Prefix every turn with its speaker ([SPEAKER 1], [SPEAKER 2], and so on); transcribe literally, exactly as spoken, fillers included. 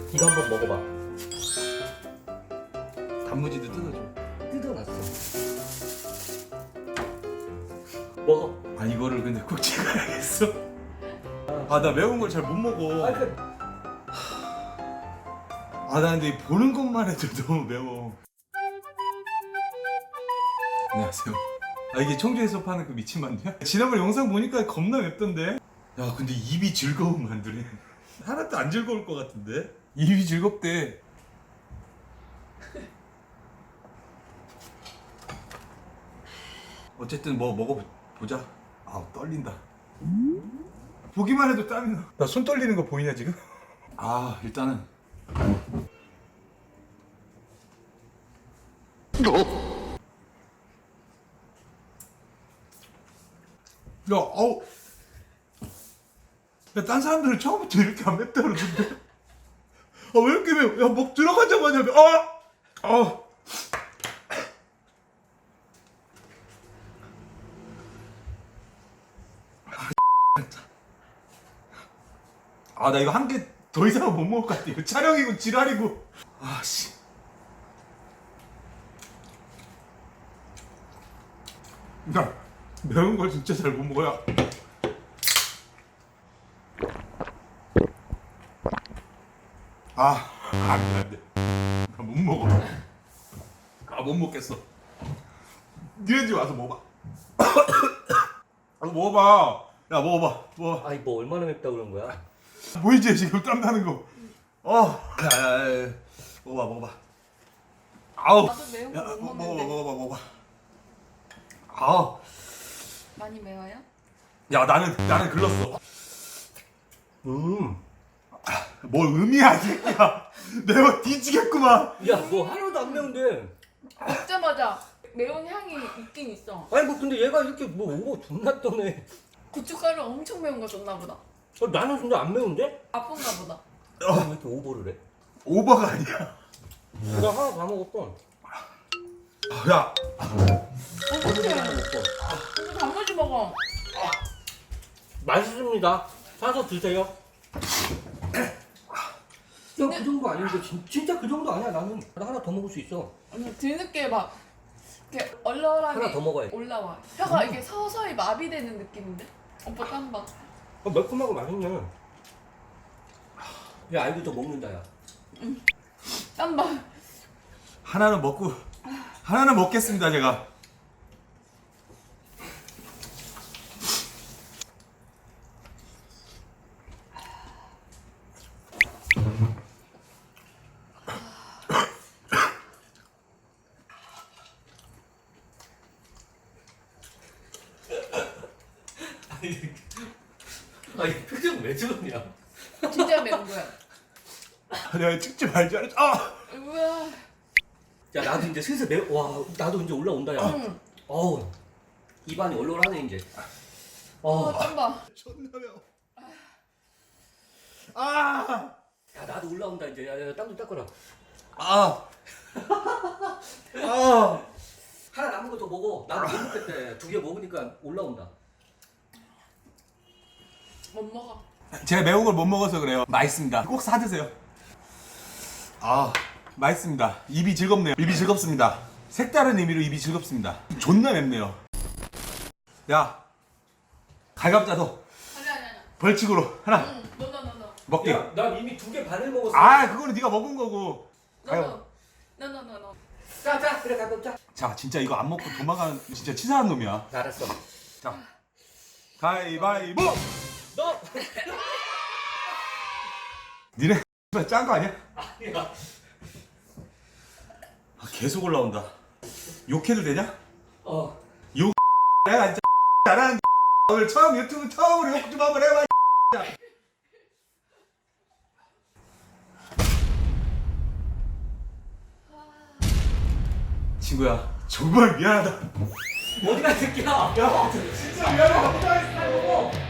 [SPEAKER 1] 이거 한번 먹어봐.
[SPEAKER 2] 단무지도 뜯어줘.
[SPEAKER 1] 뜯어놨어. 먹어.
[SPEAKER 2] 아 이거를 근데 꼭 찍어야겠어. 아 나 매운 걸 잘 못 먹어.
[SPEAKER 1] 아, 그...
[SPEAKER 2] 아 나 근데 보는 것만 해도 너무 매워. 안녕하세요. 아 이게 청주에서 파는 그 미친 만두야? 지난번 영상 보니까 겁나 맵던데? 야 근데 입이 즐거운 만두래. 하나도 안 즐거울 것 같은데? 입이 즐겁대. 어쨌든 뭐 먹어보자. 아 떨린다. 보기만 해도 땀이 나. 나 손 떨리는 거 보이냐 지금? 아 일단은 야 아우 야 딴 사람들은 처음부터 이렇게 안 맵다 그러던데 아 왜 이렇게 매워? 야 목 들어가자마자 매워. 아! 아! 아 나 이거 한 개 더 이상은 못 먹을 것 같아. 이거 촬영이고 지랄이고. 아씨. 야 매운 걸 진짜 잘 못 먹어야. 아 안돼 안돼. 나 못 먹어. 아 못 먹겠어. 니네 집 와서 먹어봐. 아 먹어봐. 야 먹어봐. 먹어.
[SPEAKER 1] 아이 뭐 얼마나 맵다 그런 거야?
[SPEAKER 2] 보이지 지금 땀 나는 거. 어. 야야야. 먹어봐 먹어봐. 아우.
[SPEAKER 3] 나도 매운
[SPEAKER 2] 야
[SPEAKER 3] 거 못
[SPEAKER 2] 먹어봐
[SPEAKER 3] 먹는데.
[SPEAKER 2] 먹어봐 먹어봐. 아우.
[SPEAKER 3] 많이 매워요?
[SPEAKER 2] 야 나는 나는 글렀어.
[SPEAKER 1] 음.
[SPEAKER 2] 뭘 의미야 이 새끼야. 매워 뒤지겠구만.
[SPEAKER 1] 야 뭐 하나도 안 매운데.
[SPEAKER 3] 먹자마자 매운 향이 있긴 있어.
[SPEAKER 1] 아니 뭐 근데 얘가 이렇게 뭐 오버 존나 떠네.
[SPEAKER 3] 고춧가루 엄청 매운 거 줬나 보다.
[SPEAKER 1] 어, 나는 근데 안 매운데?
[SPEAKER 3] 아픈가 보다.
[SPEAKER 1] 어. 왜 이렇게 오버를 해?
[SPEAKER 2] 오버가 아니야.
[SPEAKER 1] 나 하나 다 먹었어.
[SPEAKER 2] 야.
[SPEAKER 3] 어떡해.
[SPEAKER 1] 하나 먹고.
[SPEAKER 3] 이거 단무지 먹어.
[SPEAKER 1] 맛있습니다. 사서 드세요. 야, 그 정도 아닌데 진, 진짜 그 정도 아니야. 나는 나 하나 더 먹을 수 있어.
[SPEAKER 3] 아니, 뒤늦게 막 이렇게 얼얼하게
[SPEAKER 1] 하나 더 먹어야지.
[SPEAKER 3] 올라와. 혀가 이게 서서히 마비되는 느낌인데? 오빠 땀 봐.
[SPEAKER 1] 어, 매콤하고 맛있네. 야 아이도 더 먹는다 야.
[SPEAKER 3] 땀 봐.
[SPEAKER 2] 하나는 먹고 하나는 먹겠습니다 제가.
[SPEAKER 1] 아니 표정 왜 저러냐?
[SPEAKER 3] 진짜 매운 거야.
[SPEAKER 2] 내가 찍지 말지 않았지. 아.
[SPEAKER 3] 우와.
[SPEAKER 1] 야 나도 이제 슬슬 매. 와 나도 이제 올라온다 야.
[SPEAKER 3] 응.
[SPEAKER 1] 어우 입안이 얼얼하네 이제.
[SPEAKER 3] 어,
[SPEAKER 1] 어.
[SPEAKER 3] 땀 봐.
[SPEAKER 2] 존나 매워. 아.
[SPEAKER 1] 야 나도 올라온다 이제. 야, 야 땀 좀 닦아라.
[SPEAKER 2] 아. 아.
[SPEAKER 1] 하나 남은 거 더 먹어. 나도 못 먹겠대. 두 개 먹으니까 올라온다.
[SPEAKER 3] 못 먹어.
[SPEAKER 2] 제가 매운 걸 못 먹어서 그래요. 맛있습니다. 꼭 사 드세요. 아, 맛있습니다. 입이 즐겁네요. 입이 즐겁습니다. 색다른 의미로 입이 즐겁습니다. 존나 맵네요. 야, 갈갑자도
[SPEAKER 3] 아니 아니 아니.
[SPEAKER 2] 벌칙으로 하나
[SPEAKER 3] 응. 너너너너.
[SPEAKER 2] 먹게.
[SPEAKER 1] 야, 난 이미 두 개 반을 먹었어.
[SPEAKER 2] 아, 그거는 네가 먹은 거고. 가요.
[SPEAKER 3] 너너너너.
[SPEAKER 1] 자, 자, 그래 가볍 자.
[SPEAKER 2] 자, 진짜 이거 안 먹고 도망가는 진짜 치사한 놈이야.
[SPEAKER 1] 알았어.
[SPEAKER 2] 자, 가위바위보.
[SPEAKER 1] 너.
[SPEAKER 2] 니네 짠 거 아니야?
[SPEAKER 1] 아니야.
[SPEAKER 2] 아, 계속 올라온다. 욕해도 되냐?
[SPEAKER 1] 어.
[SPEAKER 2] 내가 진짜 잘하는 오늘 처음 유튜브 처음으로 욕 좀 한번 해봐. 친구야 정말 미안하다.
[SPEAKER 1] 어디가 새끼야?
[SPEAKER 2] 야 진짜 미안하다.